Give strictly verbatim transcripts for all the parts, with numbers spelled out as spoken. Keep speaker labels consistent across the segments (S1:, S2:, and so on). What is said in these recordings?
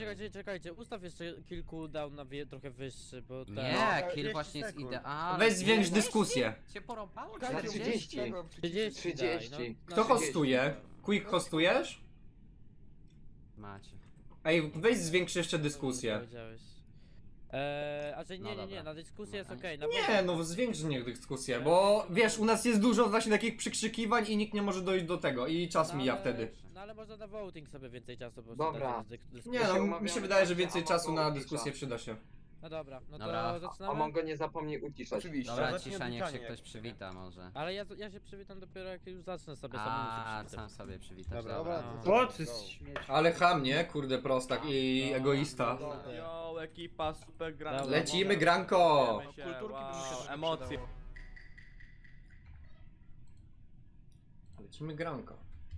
S1: czekajcie, czekajcie, ustaw jeszcze kill cooldown na wie, trochę wyższy, bo ten...
S2: Nie, kill
S3: trzydzieści
S2: właśnie jest
S3: sekund.
S2: idealny.
S4: Weź zwiększ
S2: trzydzieści?
S4: dyskusję.
S2: Cię porąbało?
S5: Na
S2: czterdzieści?
S5: trzydzieści.
S1: trzydzieści,
S5: trzydzieści.
S1: daj, no.
S4: Kto hostuje? Quick hostujesz?
S2: Macie.
S4: Ej, weź zwiększ jeszcze dyskusję.
S1: Powiedziałeś. Eee, a że nie,
S2: No
S1: nie, nie,
S2: dobra.
S1: na dyskusję jest
S2: No,
S1: okej. na
S4: Nie,
S1: pewno-
S4: no zwiększ niech dyskusję, bo wiesz, u nas jest dużo właśnie takich przykrzykiwań i nikt nie może dojść do tego i czas
S1: no,
S4: mija
S1: ale-
S4: wtedy.
S1: No ale można na voting sobie więcej czasu po prostu
S5: Dobra.
S1: dać, dysk- dyskusję.
S4: Nie
S5: się
S4: no, mi
S5: umawiamy,
S4: się wydaje, że
S5: tak,
S4: więcej
S5: a
S4: czasu na
S5: Mongo
S4: dyskusję
S5: ucisza.
S4: przyda się.
S1: No dobra, no to
S2: Dobra.
S5: A
S1: zaczynamy.
S5: Mongo nie zapomnij uciszać.
S3: Oczywiście.
S2: Dobra,
S3: zacznij
S2: cisza,
S3: od
S2: niech się
S3: witania,
S2: ktoś
S3: jak
S2: przywita może.
S1: Ale ja, ja się przywitam dopiero jak już zacznę sobie sam
S2: A,
S1: muszę
S2: sam sobie przywitasz,
S3: Dobra,
S2: dobra.
S1: dobra,
S3: dobra.
S1: to
S6: Co? To jest śmieć.
S4: Ale ham, nie? Kurde prostak i egoista.
S7: Yo, ekipa, super gra.
S1: Dobra.
S4: Lecimy granko!
S7: Kulturki
S6: by mi się też
S7: emocje.
S4: Lecimy granko.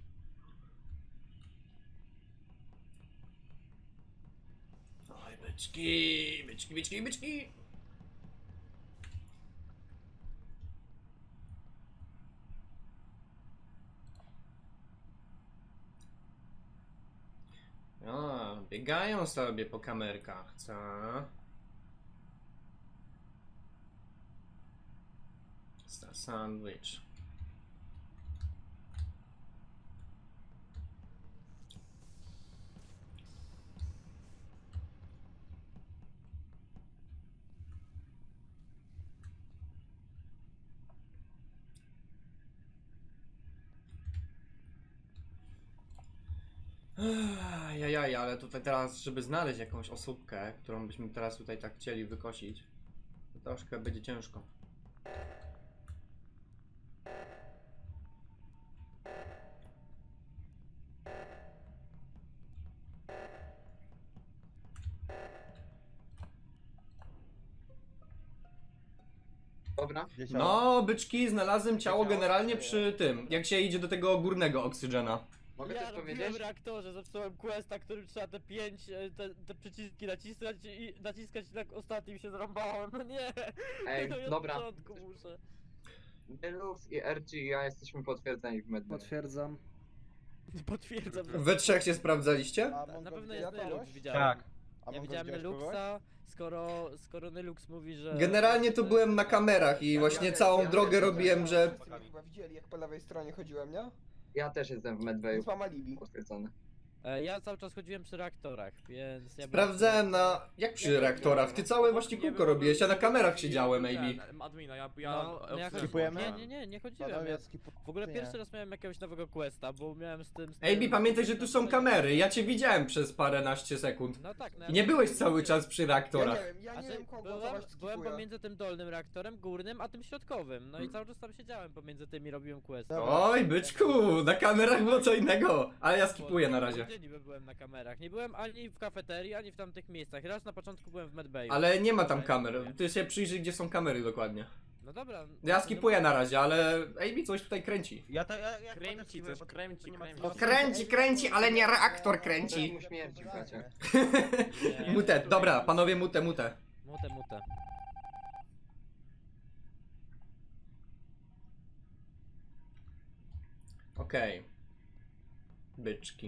S4: Oj, byczki, byczki, byczki, byczki! O, biegają sobie po kamerkach, co? Star sandwich. Jajaj, ale tutaj teraz, żeby znaleźć jakąś osóbkę, którą byśmy teraz tutaj tak chcieli wykosić, to troszkę będzie ciężko.
S5: Dobra?
S4: No, byczki, znalazłem ciało generalnie przy tym, jak się idzie do tego górnego oksygena.
S5: Mogę
S1: ja
S5: coś
S1: robiłem
S5: powiedzieć?
S1: w reaktorze, zepsułem questa, którym trzeba te pięć, e, te, te przyciski naciskać i naciskać na ostatnim się zrąbałem, no nie!
S5: Ej,
S1: No i od
S5: dobra.
S1: początku muszę.
S5: Deluxe i R G i ja jesteśmy potwierdzeni w medbay.
S6: Potwierdzam.
S1: Potwierdzam, że...
S4: We trzech się sprawdzaliście?
S1: Na pewno jest Nylux,
S3: Tak.
S1: widziałem.
S3: A
S1: Ja
S3: Mongo
S1: widziałem
S3: widziałeś
S1: Nyluxa, skoro, skoro Nylux mówi, że...
S4: Generalnie to byłem na kamerach i właśnie całą drogę robiłem, że...
S8: Wszyscy chyba widzieli, jak po lewej stronie chodziłem, nie?
S5: Ja też jestem w medbayu
S8: Więc mam alibi.
S5: potwierdzony.
S1: E, Ja cały czas chodziłem przy reaktorach, więc... Ja
S4: Sprawdzałem na... jak przy reaktorach? Ty całe właśnie kółko robiłeś, ja na kamerach siedziałem, maybe.
S7: Admina, ja,
S1: No,
S7: ja
S1: no ja chodziłem...
S3: Skipujemy?
S1: Nie, nie, nie, nie chodziłem. Ja... W ogóle pierwszy raz miałem jakiegoś nowego questa, bo miałem z tym... Z tym
S4: A B, pamiętaj, że tu są kamery, ja cię widziałem przez paręnaście sekund.
S1: No tak, no
S4: I nie byłeś cały czas przy
S8: Ja
S4: reaktorach.
S8: nie wiem, ja nie
S1: Znaczy,
S8: wiem kogo
S1: byłem,
S8: głosować
S1: byłem
S8: skipuję.
S1: pomiędzy tym dolnym reaktorem, górnym, a tym środkowym. No i cały czas tam siedziałem pomiędzy tymi, robiłem quest.
S4: Oj, byczku, na kamerach było co innego, ale ja skipuję na razie.
S1: Gdzie niby byłem na kamerach? Nie byłem ani w kafeterii, ani w tamtych miejscach. Raz na początku byłem w medbayu.
S4: Ale nie ma tam kamer, ty się przyjrzyj, gdzie są kamery dokładnie.
S1: No dobra.
S4: Ja skipuję na razie, ale A B coś tutaj kręci.
S3: Ja to, ja, ja
S7: Kręci coś, kręci, kręci.
S4: Kręci, kręci, ale nie reaktor
S5: Coś
S4: kręci.
S5: mu śmierci, bracie.
S1: Nie.
S4: Mute, dobra, panowie, mute, mute.
S1: Mute, mute.
S4: Okej. Byczki.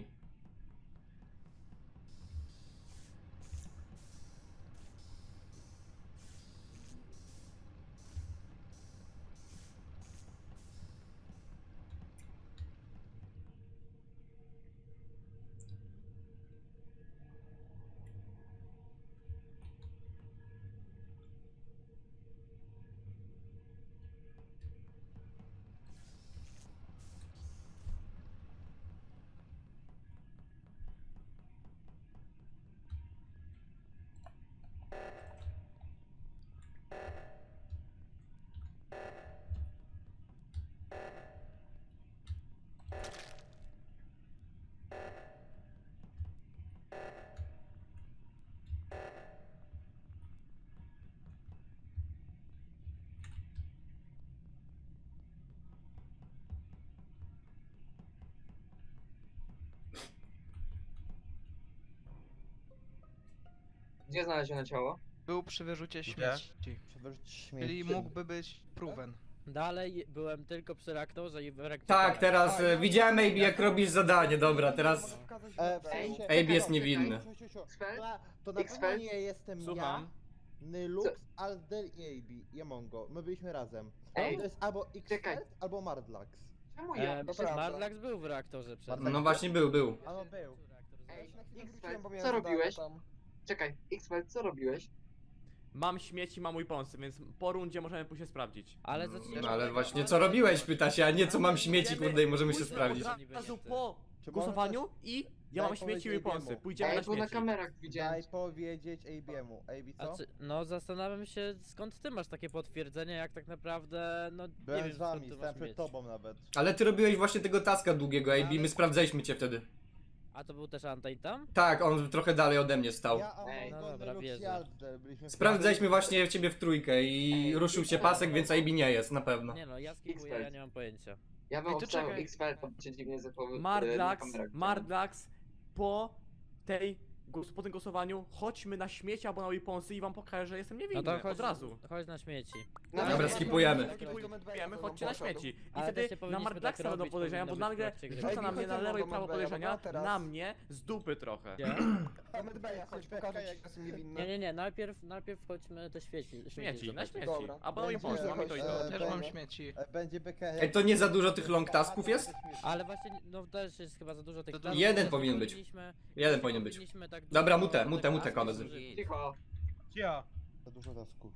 S5: Gdzie znaleziono ciało?
S9: Był przy wyrzucie
S3: Gdzie?
S9: śmieci.
S8: Przewrócić śmieci.
S9: Czyli mógłby być proven.
S1: Dalej byłem tylko przy reaktorze i w reaktorze.
S4: Tak, teraz e, widziałem A B jak robisz zadanie, dobra, teraz
S8: Mogę wskazać
S3: E, w
S8: wodę.
S5: Ej,
S3: sensie,
S4: A B jest
S5: czekaj,
S4: niewinny.
S3: Ciu, ciu, ciu.
S5: Xfel?
S3: To, to na
S5: Xfel?
S3: pewno nie jestem
S7: Słucham.
S3: ja, Nylux, Alder i A B, i Amongo. My byliśmy razem.
S5: Ej,
S3: To jest albo
S5: czekaj.
S3: Xfeld, albo Mardlax.
S5: Czemu ja?
S1: E,
S8: to prawda.
S1: Marlax był w reaktorze przed.
S3: Marlax
S4: No właśnie był, był.
S3: A no był.
S5: Ej,
S8: Na chwilę
S5: Xfel,
S8: wróciłem, bo miałem
S5: co
S8: zadanie
S5: robiłeś?
S8: tam.
S5: Czekaj, Xfel, co robiłeś?
S7: Mam śmieci, mam mój pomysł, więc po rundzie możemy pójść się sprawdzić.
S1: Ale zacznijmy.
S4: No ale właśnie co robiłeś, pyta się, a nie co mam śmieci, kurde, i możemy się
S7: Pójdziemy
S4: sprawdzić.
S7: Od razu po
S3: Czy
S7: głosowaniu
S3: możesz-
S7: i ja
S3: Daj
S7: mam śmieci i
S3: powiedzieć
S7: weaponsy.
S3: jemu.
S7: Pójdziemy
S5: Ej,
S7: na
S5: bo na
S7: śmieci.
S5: kamerach widziałem.
S3: Daj powiedzieć A B'emu. A B co?
S1: Znaczy, no zastanawiam się skąd ty masz takie potwierdzenie, jak tak naprawdę, no nie
S3: Byłem
S1: wiem
S3: z
S1: skąd
S3: wami,
S1: ty
S3: stałem
S1: masz
S3: przed
S1: mieć.
S3: tobą nawet.
S4: Ale ty robiłeś właśnie tego taska długiego A B, my sprawdzaliśmy cię wtedy.
S1: A to był też Antain tam?
S4: Tak, on trochę dalej ode mnie stał.
S3: Ja,
S5: Ej.
S1: No
S3: Amongo,
S1: dobra,
S3: Nylux i
S1: wierzę.
S3: Alder byliśmy w-
S4: Sprawdzaliśmy właśnie ciebie w trójkę i ruszył się pasek, więc A B nie jest, na pewno.
S1: Nie no, ja skipuję, ja nie mam pojęcia.
S5: Ja bym
S7: Ej, to
S5: obstawiał
S7: czekaj.
S5: Xfel, to by cię dziwnie zachowywał.
S7: Mardlax, Mardlax, po tej, głos- po tym głosowaniu chodźmy na śmieci albo na weaponsy i wam pokażę, że jestem
S1: No
S7: niewinny,
S1: to chodź,
S7: od razu.
S1: chodź na śmieci.
S4: Dobra, skipujemy.
S7: Skipujemy, chodźcie na śmieci. I
S1: Ale też
S7: wtedy
S1: nie
S7: na
S1: powinniśmy
S7: Mardlaxa
S1: tak
S7: będą
S1: robić,
S7: podejrzenia, bo
S1: powinno być w
S7: nagle
S1: trakcie gry.
S7: rzuca na
S8: Ej,
S7: mnie na
S8: chodźcie
S7: lewo i
S8: do
S7: prawo
S8: Medbeja,
S7: podejrzenia,
S8: dobra, teraz.
S7: na mnie z dupy trochę.
S1: Gdzie?
S8: Do Medbeja, chodź, pokażę ci, że jestem niewinny.
S1: Nie, nie, nie, najpierw, najpierw chodźmy te świeci.
S7: Śmieci, na
S1: zobaczyć.
S7: śmieci.
S8: Dobra.
S7: Albo na
S3: Będzie-
S7: weaponsy, mamy to i to.
S3: e,
S6: Też mam
S3: będzie-
S6: śmieci.
S3: e, Będzie B K.
S4: Ej, to nie za dużo tych long tasków jest?
S1: Ale właśnie, no też jest chyba za dużo tych
S6: To
S1: tasków,
S4: jeden
S1: też
S4: powinien
S1: nie
S4: być.
S1: powinniśmy-
S4: Jeden
S1: nie
S4: powinien być.
S1: powinniśmy tak
S4: Dobra,
S1: dużo
S4: mutę,
S1: tych
S4: mutę, mutę,
S1: tasków
S4: koledzy.
S1: zużyć.
S5: Cicho.
S3: Za dużo tasków.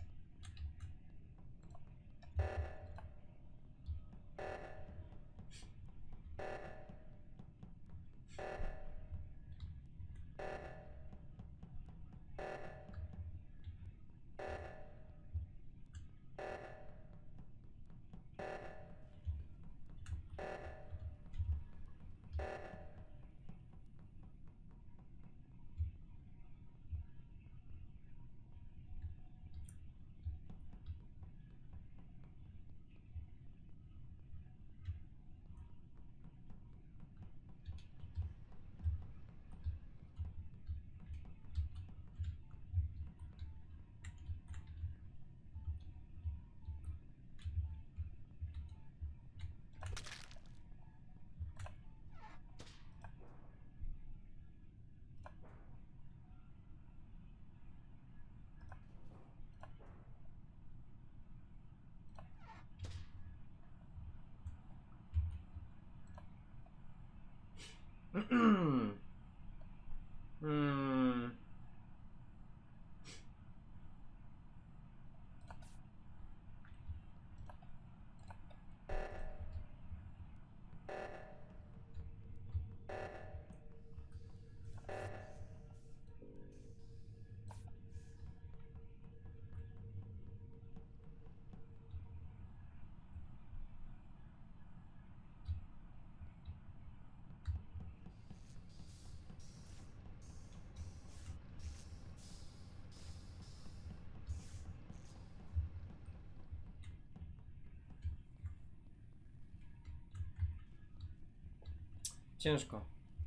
S4: Hmm. Ciężko.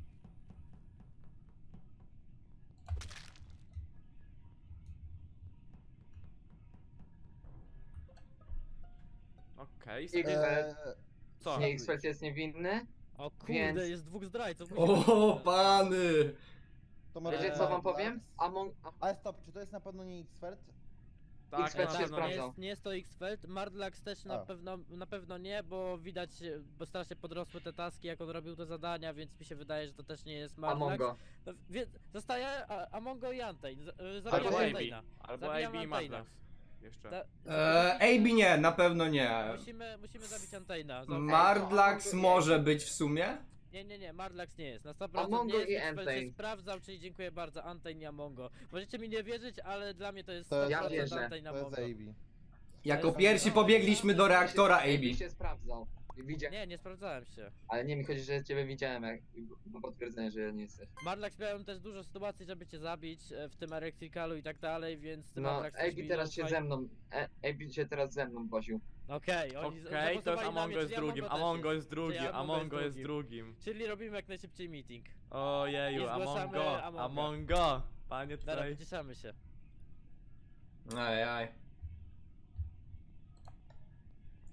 S7: Okej,
S5: I-
S7: okay.
S5: Eee,
S7: co?
S5: Nie, Xfel jest niewinny.
S1: O kurde,
S5: Więc-
S1: jest dwóch zdrajców.
S4: O, pany!
S3: To może
S5: Wiecie
S3: być
S5: co wam
S3: Mardlax?
S5: powiem? Among...
S3: Ale stop, czy to jest na pewno nie Xfeld?
S7: Tak,
S5: Xfeld
S7: na
S5: się
S7: pewno.
S1: Nie
S5: sprawdzał.
S1: jest, nie jest to Xfeld, Mardlax też na
S3: A.
S1: pewno, na pewno nie, bo widać, bo strasznie podrosły te taski, jak on robił te zadania, więc mi się wydaje, że to też nie jest Mardlax.
S5: Amongo.
S1: No, wie, zostaje a, Amongo i Antain. Z- y,
S7: Albo
S1: Zabijam
S7: A B.
S1: Antaina.
S7: Albo
S1: Zabijam
S7: A B i
S1: Antaina.
S7: Mardlax. Jeszcze.
S1: Ta,
S4: Eee, A B nie, na pewno nie.
S1: musimy, musimy zabić Antaina. zaufaj.
S4: Mardlax może być w sumie?
S1: Nie, nie, nie, Mardlax nie jest. Na sto procent
S5: Amongo
S1: nie jest,
S5: i
S1: Xfeld się
S5: Antain.
S1: sprawdzał, czyli dziękuję bardzo, Antain i Amongo. Możecie mi nie wierzyć, ale dla mnie to jest
S3: To jest-
S5: Ja
S1: sto procent
S5: wierzę.
S1: Antain i
S3: To jest
S1: Amongo.
S3: A B.
S4: Jako pierwsi pobiegliśmy do reaktora A
S5: A B
S4: B.
S5: się sprawdzał. Widzia...
S1: Nie, nie sprawdzałem się.
S5: Ale nie, mi chodzi, że ciebie widziałem, jak bo potwierdzenie, że nie jesteś.
S1: Marlax miałem też dużo sytuacji, żeby cię zabić, e, w tym Electricalu i tak dalej, więc ty
S5: No,
S1: Marlax też
S5: A B
S1: mi
S5: teraz się
S1: zaufaj.
S5: ze mną, e, A B się teraz ze mną woził.
S1: Okej, oni z-
S7: Okej, to jest
S1: zagłosowali na
S7: Amongo
S1: mnie,
S7: jest
S1: czyli
S7: drugim,
S1: też
S7: Amongo jest drugim,
S1: Czyli Amongo
S7: Amongo
S1: jest
S7: jest drugim.
S1: Czyli robimy jak najszybciej meeting.
S7: Ojeju,
S1: I zgłaszamy
S7: Amongo,
S1: Amonga.
S7: Amongo. Panie
S1: Dobra,
S7: tutaj.
S1: wyciszamy się.
S4: Ajaj.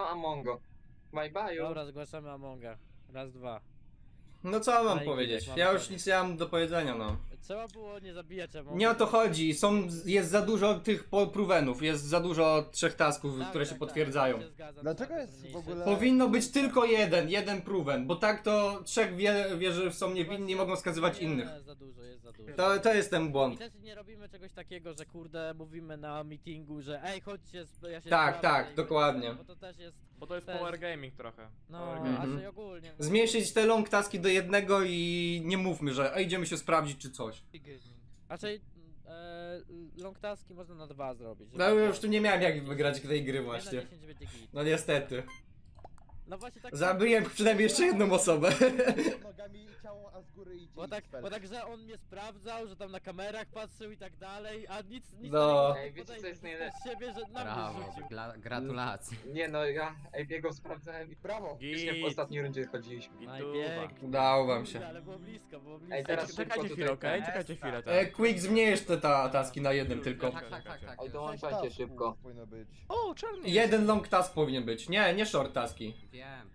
S5: Amongo. Bye bye.
S1: Dobra, zgłaszamy Amonga. Raz, dwa.
S4: No co mam
S1: No i
S4: powiedzieć?
S1: widzisz,
S4: Ja
S1: mamy
S4: już
S1: koniec.
S4: nic nie mam do powiedzenia, no.
S1: Trzeba było nie zabijać Amonga.
S4: Nie o to chodzi, są, jest za dużo tych po- provenów, jest za dużo trzech tasków,
S1: Tak,
S4: które
S1: tak,
S4: się
S1: tak,
S4: potwierdzają.
S1: ja się zgadzam,
S3: Dlaczego
S1: trzeba to
S3: jest w
S1: zmniejszyć.
S3: ogóle-
S4: Powinno być tylko jeden, jeden proven, bo tak to trzech wie, wie że są niewinni, mogą skazywać
S1: nie,
S4: innych.
S1: za dużo, jest za dużo.
S4: To, to jest ten
S1: I
S4: błąd.
S1: też nie robimy czegoś takiego, że kurde, mówimy na meetingu, że ej, chodźcie, sp- ja się
S4: Tak,
S1: sprawdzę
S4: tak,
S1: i
S4: dokładnie.
S1: będzie, Bo to też jest,
S7: Bo to jest
S1: Też.
S7: power gaming trochę.
S1: no,
S7: Power
S1: a
S7: gaming.
S4: Mhm.
S1: że ogólnie.
S4: Zmniejszyć te long taski do jednego i nie mówmy, że ej, idziemy się sprawdzić czy coś.
S1: Raczej e, long taski można na dwa zrobić.
S4: No
S1: żeby-
S4: już tu nie miałem jak wygrać tej gry
S1: jeden na
S4: właśnie.
S1: dziesięć będzie git.
S4: No niestety.
S1: No właśnie tak.
S4: Zabiłem przynajmniej jeszcze jedną osobę.
S3: Nogami ciało, a z góry idzie
S1: Bo tak,
S3: X-Fel.
S1: bo tak, że on mnie sprawdzał, że tam na kamerach patrzył i tak dalej, a nic, nic
S4: No.
S1: takiego nie
S5: Ej, wiecie, co
S1: podejdzie,
S5: jest
S1: to
S5: najlepsze?
S1: z siebie, że na mnie
S2: Brawo,
S1: rzucił.
S2: gla- gratulacje.
S5: Nie no, ja Ejbiego sprawdzałem i
S3: Brawo!
S5: właśnie w
S7: Git.
S5: ostatniej rundzie chodziliśmy.
S1: Najpiękniej.
S4: Udało wam
S1: Kurde,
S4: się.
S1: ale było blisko, było blisko.
S5: Ej, teraz szybko
S7: Czekajcie
S5: tutaj
S7: chwilę, okej?
S5: ten-
S7: Czekajcie chwilę,
S4: E,
S7: tak.
S4: Quick, zmniejsz te ta, taski na jeden tylko.
S2: Tak, tak, tak, tak.
S5: Oj,
S2: już.
S5: dołączajcie
S3: Sześć
S5: szybko.
S3: tasków powinno być.
S8: O, czarny
S4: Jeden long task powinien być. Nie, nie short taski.
S2: Wiem.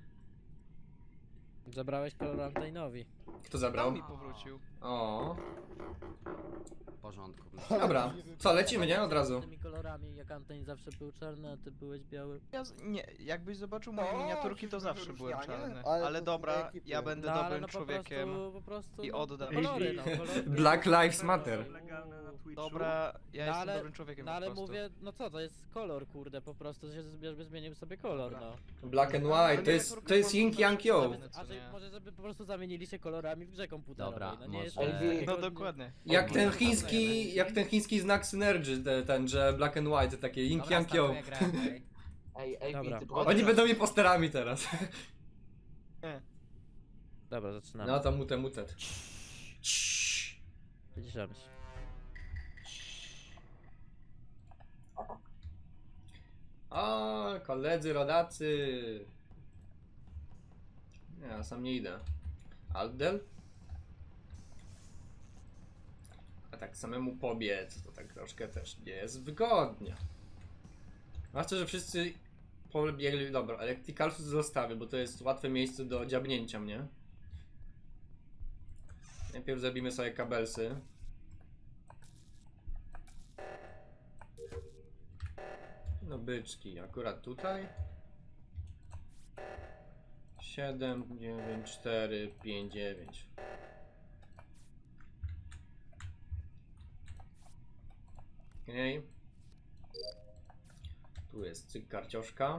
S1: Zabrałeś kolor Antainowi.
S4: Kto zabrał?
S8: mi powrócił.
S4: O.
S2: W porządku.
S4: Dobra, co, lecimy, nie? Od razu.
S1: Tymi kolorami, jak Antain zawsze był czarny, a ty byłeś biały.
S8: Ja z... Nie, jakbyś zobaczył moje
S3: No,
S8: miniaturki, to
S3: czyli
S8: zawsze byłem
S3: wyróżnianie,
S8: czarny.
S3: ale
S8: Ale
S3: to
S8: dobra,
S3: z ekipy.
S8: ja będę
S1: No, ale
S8: dobrym
S1: no po
S8: człowiekiem.
S1: prostu, po prostu,
S8: i
S1: no,
S8: oddam.
S1: Kolory, no, kolory.
S4: Black Lives Matter.
S8: Dobra, ja
S1: No,
S8: jestem
S1: ale-
S8: dobrym człowiekiem
S1: No
S8: po
S1: ale
S8: prostu.
S1: mówię, no co, to jest kolor, kurde, po prostu, że żeby zmienił sobie kolor, no.
S4: Black and white, to jest, to jest yin yang yo.
S1: Żeby,
S8: co
S1: a że,
S8: nie?
S1: może żeby po prostu zamienili się kolorami w grze komputerowej,
S2: Dobra,
S1: no nie jest
S2: może-
S1: to
S5: Ej,
S1: takiego-
S8: No dokładnie.
S4: Jak ten chiński, jak ten chiński znak synergy, te, ten, że black and white, takie yin
S2: Dobra,
S4: yang yo.
S2: startuję grę, okej?
S5: Ej, Ejbi,
S1: Dobra.
S5: ty
S4: Oni będą mi posterami teraz.
S1: Dobra, zaczynamy.
S4: No to mutet, mutet.
S1: Wyciszamy się.
S4: O, koledzy, rodacy. Nie, ja sam nie idę. Aldel? A tak samemu pobiec, to tak troszkę też nie jest wygodnie. Zwłaszcza, że wszyscy pobiegli, dobra, Electricalsus zostawię, bo to jest łatwe miejsce do dziabnięcia mnie. Najpierw zabijmy sobie kabelsy. No byczki, akurat tutaj. siedem, dziewięć, cztery, pięć, dziewięć. Okej. Tu jest cyk karcioszka.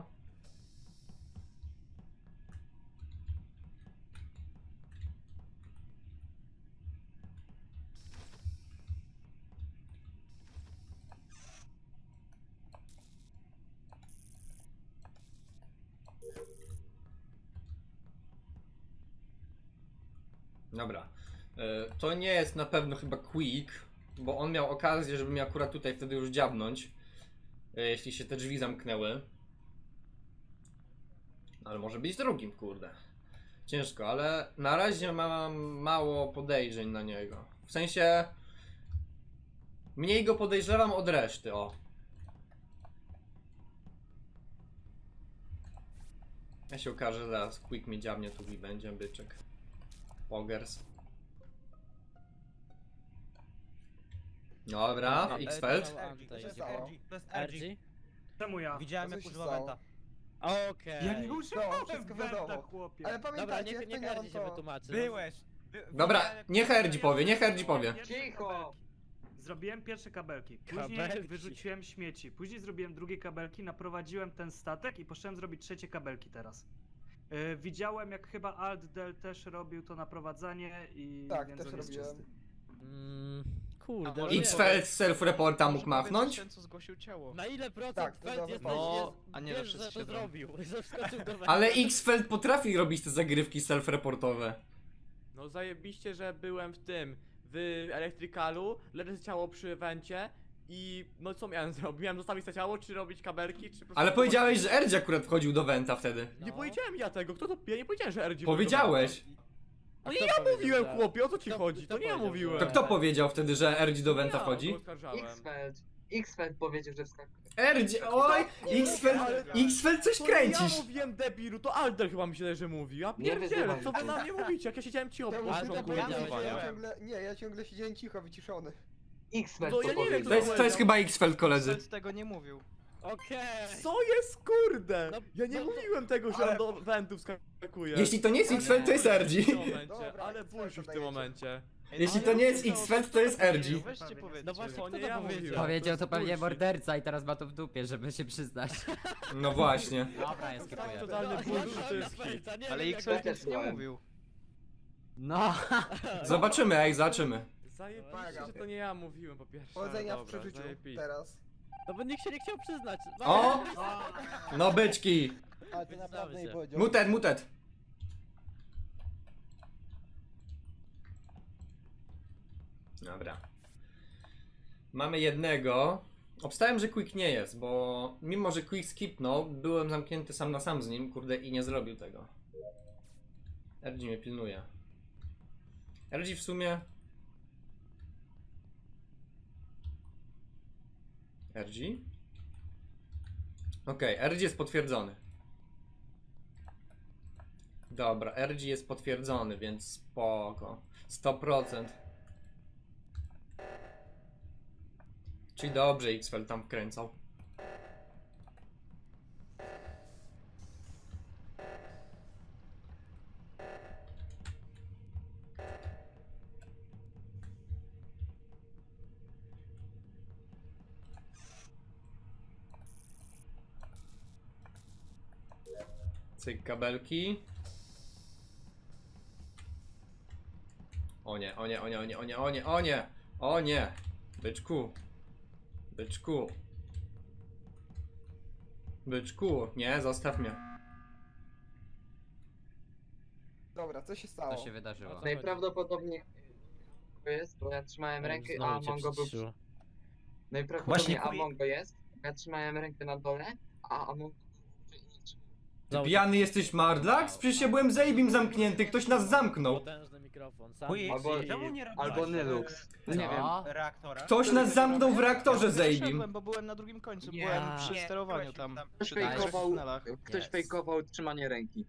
S4: Dobra. E, To nie jest na pewno chyba Quick, bo on miał okazję, żeby mnie akurat tutaj wtedy już dziabnąć. e, Jeśli się te drzwi zamknęły. Ale może być drugim, kurde. Ciężko, ale na razie mam mało podejrzeń na niego. W sensie... Mniej go podejrzewam od reszty, o. Ja się okaże, zaraz Quick mi dziabnie tu i będzie byczek. Pogers. Dobra,
S1: No,
S4: X-Feld.
S1: to Antain.
S3: Co się stało?
S6: To jest
S1: R
S6: R G.
S1: G?
S6: Czemu ja? Widziałem
S3: Co
S6: jak
S3: się
S6: używa
S3: stało?
S6: Wenta.
S1: Okej.
S6: Ja nie
S3: No,
S6: używałem
S3: wszystko
S6: Wenta,
S3: wiadomo.
S6: chłopie.
S3: Ale
S1: Dobra,
S3: pamiętajcie,
S1: niech,
S3: jak
S1: niech
S3: to nie
S1: R G
S3: on
S1: się
S3: to...
S1: wytłumaczy.
S6: Byłeś. By,
S4: Dobra,
S6: widziałem, jak-
S4: niech R G powie, niech R G powie.
S6: Pierwsze
S5: Cicho!
S6: kabelki. Zrobiłem pierwsze kabelki, później
S1: Kabelki.
S6: wyrzuciłem śmieci, później zrobiłem drugie kabelki, naprowadziłem ten statek i poszedłem zrobić trzecie kabelki teraz. Yy, widziałem jak chyba Altdel też robił to naprowadzanie i
S3: Tak,
S6: więc
S3: też
S6: on jest
S3: robiłem.
S6: czysty.
S1: Mm,
S8: A
S1: kurde,
S8: może
S1: no nie
S4: X-Feld z self-reporta mógł
S8: Może powiedzieć
S4: machnąć?
S8: ten, co zgłosił ciało.
S1: wiem. Na ile procent
S3: Tak, to
S1: Feld
S3: dobra
S1: jest,
S8: No,
S1: jest,
S8: a nie
S1: wiesz,
S8: zawsze
S1: że to
S8: siedem.
S1: zrobił, że wskoczył do węgla.
S4: Ale X-Feld potrafi robić te zagrywki self-reportowe.
S7: No zajebiście, że byłem w tym, w elektrykalu, leży ciało przy wencie i no co miałem zrobić? Miałem zostawić to ciało, czy robić kabelki, czy po prostu...
S4: Ale powiedziałeś, że R G akurat wchodził do Venta wtedy.
S7: Nie
S1: No.
S7: powiedziałem ja tego, kto to... Ja nie powiedziałem, że R G...
S4: Powiedziałeś.
S1: A
S7: No
S1: kto
S7: nie ja
S1: powiedział,
S7: mówiłem,
S1: że-
S7: chłopie, o co ci
S1: Kto-
S7: chodzi?
S1: kto
S7: To nie ja
S1: powiedział,
S7: mówiłem.
S1: że-
S4: To kto powiedział wtedy, że R G do
S7: To
S4: Venta
S7: ja
S4: wchodzi?
S7: go oskarżałem.
S5: X-Feld. X-Fel powiedział, że wskakuje.
S4: R G, oj! X-Fel, X-Fel coś
S7: To
S4: kręcisz!
S7: ja mówiłem debilu, to Alder chyba mi się że mówi. Ja
S5: Nie
S7: pierdzielę,
S5: wyzywaj
S7: co wy
S5: mnie.
S7: na mnie mówicie? Jak ja siedziałem cicho po
S1: Ale
S7: początku
S1: to
S7: głosowania.
S1: ja
S9: ciągle, nie, ja ciągle siedziałem cicho, wyciszony.
S5: X-Fel
S7: No
S5: to
S7: ja nie wiem,
S5: powiedział.
S4: To jest, to jest chyba X-Fel, koledzy.
S8: Nic tego nie mówił.
S1: Okej.
S7: Co jest kurde?
S1: No,
S7: Ja nie
S1: no to-
S7: mówiłem tego, że
S9: ale-
S7: on do wentów skakuje.
S4: Jeśli to nie jest X-Fel, to jest R G.
S7: W tym momencie,
S9: Dobra,
S7: ale
S9: X-Fel
S7: bullshit w tym
S9: dajecie.
S7: momencie.
S4: Jeśli to nie jest X-Fel, to jest R G.
S8: Weźcie powiedzcie.
S1: No właśnie,
S7: To
S1: kto
S7: nie
S1: to
S7: ja
S1: powiedział?
S7: mówiłem.
S2: Powiedział to
S7: jest
S2: pewnie
S7: bullshit.
S2: morderca i teraz ma to w dupie, żeby się przyznać.
S4: No właśnie.
S2: Dobra, ja skipuję.
S7: Totalny
S1: No,
S7: bullshit
S1: ja
S7: to jest
S1: znam
S7: hit.
S1: Felta, nie
S8: Ale
S1: wiem, jak
S8: X-Fel
S1: to-
S8: nic nie
S5: słuchałem.
S8: mówił.
S2: No.
S4: Zobaczymy, ej, zobaczymy.
S7: Zajebiście, że to nie ja mówiłem po pierwsze.
S9: Powodzenia
S7: ale
S9: w
S7: dobra,
S9: przeżyciu
S7: zajebiście.
S9: teraz.
S1: No bo nikt się nie chciał przyznać.
S4: O! No byczki.
S3: Ale ty
S1: Wyznamy
S3: naprawdę nie
S1: się.
S3: powiedział.
S4: Mutet, mutet. Dobra. Mamy jednego. Obstałem, że Quick nie jest, bo mimo, że Quick skipnął, byłem zamknięty sam na sam z nim, kurde, i nie zrobił tego. R G mnie pilnuje. R G w sumie... R G? Okej, R G jest potwierdzony. Dobra, R G jest potwierdzony, więc spoko. sto procent. Czyli dobrze X-Fel tam wkręcał. Cyk, kabelki. O nie, o nie, o nie, o nie, o nie, o nie, o nie, o nie. Byczku. Byczku. Byczku, nie, zostaw mnie.
S9: Dobra, co się stało?
S2: To się wydarzyło.
S5: Najprawdopodobniej jest, bo ja trzymałem rękę, a
S1: Znowu cię
S5: Amongo był...
S1: przyciszyło.
S5: Najprawdopodobniej Amongo jest. Ja trzymałem rękę na dole, a Amongo...
S4: Ty pijany jesteś, Mardlax? Przecież ja byłem z Abim zamknięty, ktoś nas zamknął.
S1: Potężny mikrofon. Sam
S5: Albo, albo Nylux. No nie wiem.
S2: Co?
S8: Reaktora.
S4: Ktoś nas zamknął w reaktorze z Abim.
S8: Wyszedłem, bo byłem na drugim końcu,
S5: Nie.
S8: byłem przy
S1: Nie,
S8: sterowaniu tam.
S5: Ktoś
S8: Przy tych
S5: fejkował,
S8: tunelach.
S5: ktoś
S2: Jest.
S5: fejkował trzymanie ręki.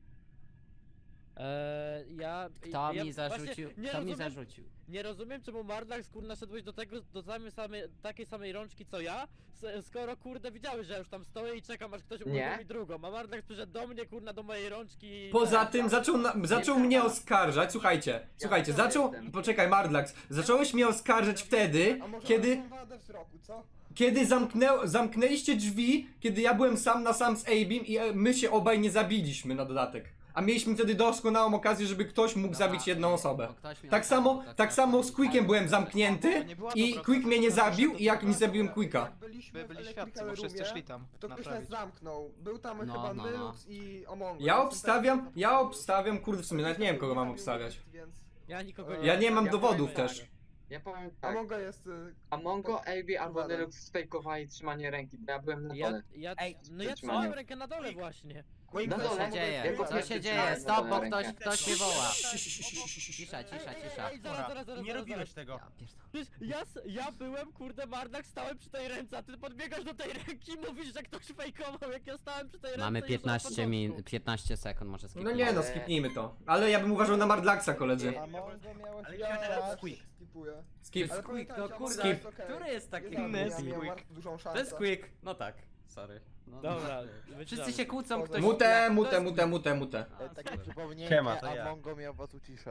S1: Eee, ja...
S2: Kto
S1: ja
S2: mi zarzucił?
S1: właśnie nie
S2: Kto mi
S1: rozumiem,
S2: zarzucił?
S1: Nie rozumiem, czemu Mardlax, kurna, szedłeś do tego, do samej, samej, takiej samej rączki co ja, s- skoro, kurde, widziałeś, że ja już tam stoję i czekam, aż ktoś
S5: Nie.
S1: uruchomi drugą, a Mardlax przyszedł do mnie, kurna, do mojej rączki i...
S4: Poza tym zaczął, na, zaczął mnie oskarżać, słuchajcie, słuchajcie, zaczął, poczekaj Mardlax, zacząłeś mnie oskarżać wtedy,
S9: A może
S4: kiedy,
S9: mam wadę wzroku, co?
S4: kiedy zamknę, zamknęliście drzwi, kiedy ja byłem sam na sam z Abim i e, my się obaj nie zabiliśmy na dodatek. A mieliśmy wtedy doskonałą okazję, żeby ktoś mógł zabić jedną osobę.
S2: Bo ktoś mi
S4: Tak
S2: napisał,
S4: samo,
S2: tak
S4: tak
S2: na
S4: samo z
S2: przykład.
S4: Quickiem byłem
S8: To
S4: zamknięty
S8: nie była
S4: i
S8: dobra
S4: Quick mnie nie
S8: sprawa,
S4: zabił
S8: że
S4: i jak
S8: to
S4: nie zabiłem
S8: była-
S4: Quicka.
S9: Jak byliśmy
S8: By
S9: w
S8: byli świadcy,
S9: Electrical
S8: bo wszyscy
S9: Roomie,
S8: szli tam
S9: to ktoś nas
S8: naprawić.
S9: zamknął. Był tam
S2: No,
S9: chyba
S2: no, no.
S9: Nylux i Omongo.
S4: Ja
S9: Jestem
S4: obstawiam,
S9: pewien, że
S4: ja
S9: to był.
S4: obstawiam, kurde w sumie nawet nie wiem kogo mam obstawiać.
S9: Więc
S1: Ja nikogo
S9: Ja
S1: nie...
S4: Ja nie mam
S5: Ja
S4: dowodów
S5: powiem
S4: też.
S5: Ja powiem tak.
S9: Omongo jest... y,
S5: Amongo, Abby albo
S9: Uwaga.
S5: Nylux sfejkowali trzymanie ręki, bo ja byłem na
S1: Ja,
S5: dole.
S1: ja,
S8: Ej,
S1: no ja
S5: trzymanie.
S1: trzymałem rękę na dole właśnie.
S9: Quick,
S5: Na
S9: to
S5: dole.
S2: Co się
S9: Omongo
S2: dzieje?
S9: jest
S5: Jako
S2: Co
S9: chyba-
S2: się
S5: pierwszy
S2: dzieje?
S5: trzymałem
S2: Stop, bo
S5: rękę.
S2: ktoś, ktoś mnie woła. Cisza,
S1: Ej,
S2: cisza,
S1: ej,
S2: cisza.
S1: ej, zaraz, zaraz, zaraz,
S8: Nie
S1: zaraz,
S8: robiłeś
S1: zaraz.
S8: tego.
S2: Ja pierdolę.
S1: Przecież ja, s- ja byłem, kurde, Mardak, stałem przy tej ręce, a ty podbiegasz do tej ręki i mówisz, że ktoś fejkował, jak ja stałem przy tej ręce.
S2: Mamy
S1: już od
S2: piętnaście
S1: początku.
S2: min, piętnaście sekund, może
S4: No
S2: skipnąć.
S4: nie no, skipnijmy to. Ale ja bym uważał na Mardlaxa, koledzy.
S3: Amongo miałeś
S8: Ale
S3: ja
S8: teraz
S3: raz.
S8: Quick.
S9: Skipuję.
S4: Skip.
S9: Ale
S2: Quick,
S9: pamiętajcie,
S2: no
S9: Amongo
S2: kurde,
S9: jest okej.
S2: który jest taki
S9: Nie
S8: inny?
S9: zabił, ja
S8: Quick.
S9: miałem dużą szansę.
S2: To jest Quick. No tak, sorry. No,
S1: Dobra,
S2: Wszyscy się kłócą, ktoś...
S4: Mute,
S2: to
S4: mute,
S2: jest
S4: mute, mute, mute.
S2: A,
S3: E, Takie
S2: super.
S3: przypomnienie,
S8: Siema, to ja.
S3: Amongo miał was uciszać.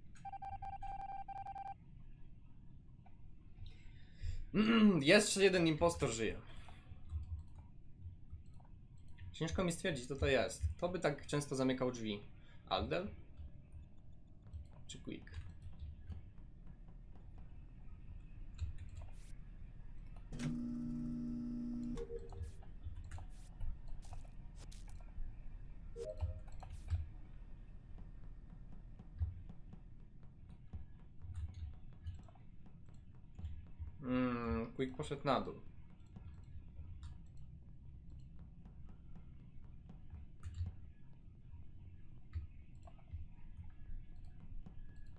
S4: Jeszcze jeden impostor żyje. Ciężko mi stwierdzić, co to jest. Kto by tak często zamykał drzwi? Aldel? Czy Quick? Mm, Quick poszedł na dół.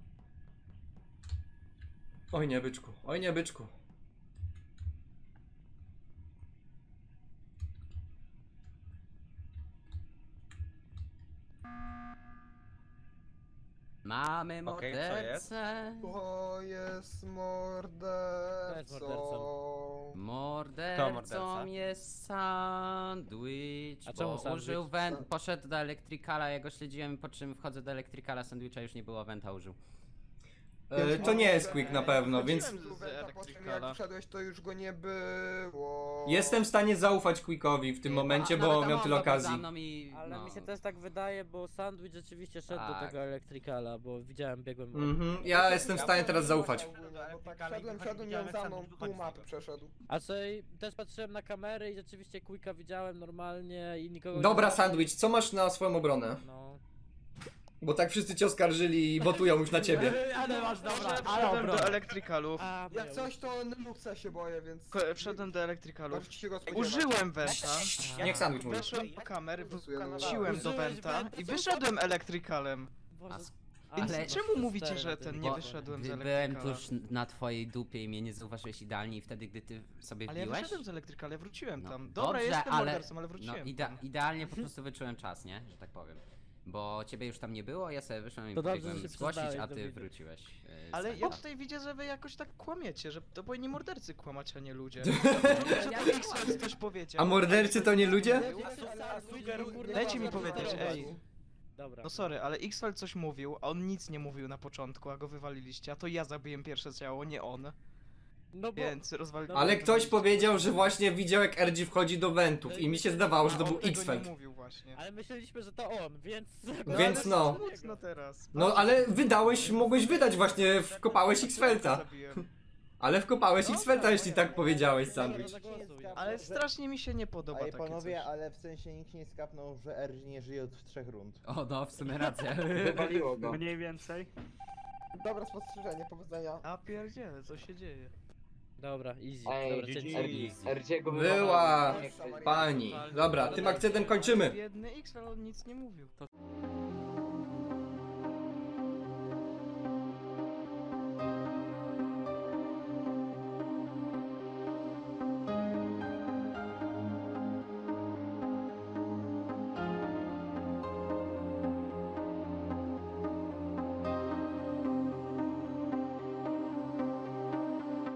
S4: Oj nie byczku, oj nie byczku.
S2: Mamy
S10: Okej, co jest?
S2: mordercę.
S9: To jest
S1: mordercą?
S9: mordercą.
S2: Mordercą
S10: morderca?
S2: jest sandwich,
S1: A czemu
S2: bo
S1: sandwich?
S2: użył went, poszedł do elektrykala, ja go śledziłem, po czym wchodzę do elektrykala, sandwicha już nie było, wenta użył.
S4: E, to nie jest Quick na pewno, więc
S8: Wchodziłem z
S9: Po czym jak
S8: elektrykala.
S9: wszedłeś, to już go nie było.
S4: jestem w stanie zaufać Quickowi w tym momencie,
S2: A
S4: bo
S2: nawet
S4: miał
S2: Amongo
S4: tyle
S2: był
S4: okazji.
S2: za mną i,
S1: Ale
S2: no,
S1: mi się też tak wydaje, bo Sandwich rzeczywiście szedł do
S2: Tak.
S1: tego elektrykala, bo widziałem, biegłem.
S4: Mhm, ja jestem w stanie teraz zaufać.
S9: No tak, szedłem, szedłem, miał za mną, pół mapy przeszedł.
S1: A co i też patrzyłem na kamery i rzeczywiście Quicka widziałem normalnie i nikogo
S4: Dobra,
S1: nie...
S4: Sandwich, co masz na swoją obronę?
S1: No.
S4: Bo tak wszyscy cię oskarżyli i wotują już na ciebie.
S7: Ale masz dobra, ale
S8: Wszedłem do
S7: dobra.
S8: elektrykalów.
S1: A,
S9: Jak coś, to Nyluksa się boję, więc...
S8: Ko- Wszedłem do elektrykalów.
S9: Możecie się go spodziewać.
S8: Użyłem wenta.
S4: Niech Sandwich mówi.
S8: Weszłem do kamer,
S9: Głosuję na
S8: wróciłem do
S1: Użyłeś
S8: wenta
S1: wenta,
S8: i
S1: co
S8: wyszedłem elektrykalem.
S1: Boże,
S2: A s-
S8: Więc
S2: Ale-
S8: czemu mówicie, że ten nie
S2: Bo
S8: wyszedłem z
S2: gdy byłem
S8: elektrykala?
S2: tuż na twojej dupie i mnie nie zauważyłeś idealnie i wtedy, gdy ty sobie
S8: Ale ja
S2: wbiłeś...
S8: wyszedłem z elektrykala, ja wróciłem
S2: No,
S8: tam. Dobra,
S2: dobrze,
S8: jestem
S2: ale-
S8: mordercą, ale
S2: No
S8: wróciłem
S2: ide
S8: tam.
S2: idealnie po prostu wyczułem czas, nie? Że tak powiem. Bo ciebie już tam nie było, ja sobie wyszłem i
S1: To dobrze,
S2: pobiegłem
S1: że się
S2: zgłosić,
S1: przyznałeś
S2: a
S1: do
S2: ty
S1: winy.
S2: wróciłeś. Yy,
S8: Ale
S2: z
S8: ja
S2: tego.
S8: tutaj widzę, że wy jakoś tak kłamiecie, że to powinni mordercy kłamać, a nie ludzie.
S2: Ja
S8: Że X coś powiedział.
S4: A mordercy to nie ludzie?
S8: Dajcie mi powiedzieć, ej.
S1: Dobra.
S8: No sorry, ale X-Feld coś mówił, a on nic nie mówił na początku, a go wywaliliście, a to ja zabiłem pierwsze ciało, nie on.
S1: No bo...
S8: Więc rozwaliliście.
S4: Ale ktoś powiedział, że właśnie widział jak R G wchodzi do wentów i mi się zdawało, że to
S8: A on
S4: był
S8: tego
S4: X-Feld.
S8: nie mówił właśnie.
S1: Ale myśleliśmy, że to on, więc...
S4: Więc no.
S8: Smutno teraz.
S4: No ale wydałeś, mogłeś wydać właśnie, wkopałeś X-Felta.
S8: Zabiłem.
S4: Ale wkopałeś X-Felta, jeśli tak powiedziałeś, Sandwich.
S8: Ale strasznie mi się nie podoba
S3: Ej,
S8: takie
S3: panowie,
S8: coś.
S3: ale w sensie nikt nie skapnął, że R G nie żyje od trzech rund.
S2: O no, w sumie racja.
S5: Wywaliło go.
S6: Mniej więcej.
S9: Dobre spostrzeżenie, powodzenia.
S8: A pierdziele, co się dzieje?
S1: Dobra, easy.
S5: Ej,
S1: Dobra, cięcie.
S5: R- R G go
S4: Była
S5: wywaliło.
S4: pani. Dobra, tym akcentem kończymy.
S8: Biedny X-Feld, on nic nie mówił.